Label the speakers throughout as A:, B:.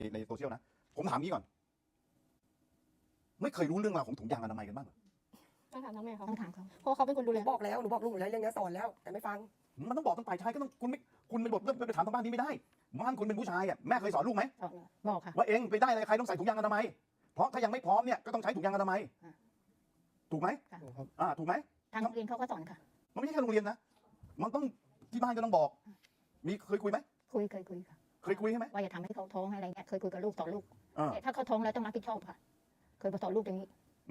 A: ในโซเชียลนะผมถามงี้ก่อนไม่เคยรู้เรื่องราวของถุงยางอนามัยกันบ้างเหรอ
B: ต้องถามน้องแม่เขา
C: ต้องถามเขา
B: เพราะเขาเป็นคนดูแล
D: บอกแล้วหนูบอกลูกหนูแล้วเรื่องนี้สอนแล้วแต่ไม่ฟัง
A: มันต้องบอกต้องฝ่ายชายก็ต้องคุณเป็นบทเรื่องไปถามทางบ้านนี้ไม่ได้บ้านคุณเป็นผู้ชายอ่ะแม่เคยสอนลูกไหม
C: บอกค่ะ
A: ว่าเองไปได้อะไรใครต้องใส่ถุงยางอนามัยเพราะถ้ายังไม่พร้อมเนี่ยก็ต้องใช้ถุงยางอนามัยถูกไหมถูกไหม
C: ทางโรงเรียนเขาก็สอนค่ะ
A: มันไม่ใช่แค่โรงเรียนนะมันต้องที่บ้านก็ต้องบอกมีเคยคุยไหม
C: เคยคุยค่ะ
A: เคยคุยใช่ไหม
C: ว่าอย่าทำให้เขาท้องอะไรเงี้ยเคยคุยกับลูกสอนลูก
A: อ่า
C: แต่ถ้าเขาท้องแล้วต้องรับผิดชอบค่ะ เคยมาสอนลูกอย่างนี้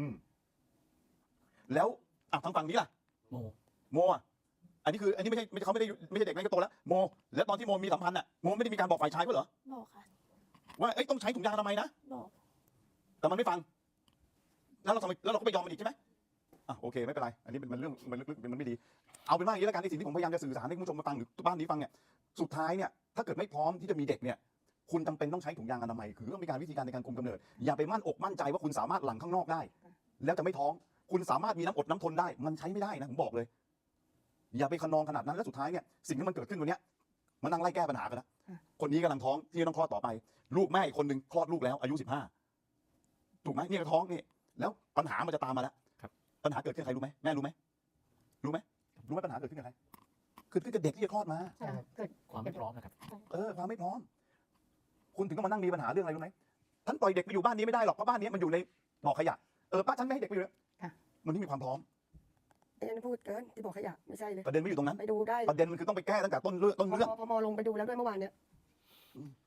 A: แล้วทางฝั่งนี้ล่ะ โมอ่ะอันนี้ไม่ใช่เขาไม่ใช่เด็กนั่นก็โตแล้วโมแล้วตอนที่โมมีสัมพันธ์อ่ะโมไม่ได้มีการบอกฝ่ายชายก็เหรอ
B: บอกค่ะ
A: ว่าต้องใช้ถุงยางอนามัยนะ
B: บอก
A: แต่มันไม่ฟังแล้วเราก็ไปยอมมันอีกใช่ไหมโอเคไม่เป็นไรอันนี้มันเรื่องมันลึกๆมันไม่ดีเอาเป็นว่าอย่างนี้แล้วกันในสิ่งที่ผมพยายามจะสื่อสารให้คุณผู้ชมมาฟังหรือบ้านนี้ฟังเนี่ยสุดท้ายเนี่ยถ้าเกิดไม่พร้อมที่จะมีเด็กเนี่ยคุณจำเป็นต้องใช้ถุงยางอนามัยคือต้องมีการวิธีการในการคุมกำเนิดอย่าไปมั่นอกมั่นใจว่าคุณสามารถหลั่งข้างนอกได้ แล้วจะไม่ท้องคุณสามารถมีน้ำอดน้ำทนได้มันใช้ไม่ได้นะผมบอกเลยอย่าไปขนองขนาดนั้นแล้วสุดท้ายเนี่ยสิ่งที่มันเกิดขึ้นวันนี้มันนั่งไล่แก้ปัญหากันนะคนนี้กำลังท้องที่ต้องคลอดต่อไปลูกแม่อีกคนนึงคลอดลูกแล้วอายุ15ถูกไหมนี่ก็ท้องนี่แล้วปัญหามันจะตามมาแล้วปัญหาเกิดขึ้นใครรู้ไหมแม่รู้ไหมปัญหาเกิดขึ้นกับใครคือกับเด็กที่จะคลอดมา
C: เกิด
E: ความไม่พร้อมนะครับ
A: ความไม่พร้อมคุณถึงต้องมานั่งมีปัญหาเรื่องอะไรรู้ไหมท่านปล่อยเด็กไปอยู่บ้านนี้ไม่ได้หรอกเพราะบ้านนี้มันอยู่ในบ่อขยะป้าฉันไม่ให้เด็กไปอยู่มันไม่มีความพร้อม
D: ไอ้นั่นพูดเกินที่บอกขยะไม่ใช่เลย
A: ประเด็นไม่อยู่ตรงนั้น
D: ไปดูได้
A: ประเด็นมันคือต้องไปแก้ตั้งแต่ต้นเรื่อง
D: พมลงไปดูแล้วด้วยเมื่อวานเนี้ย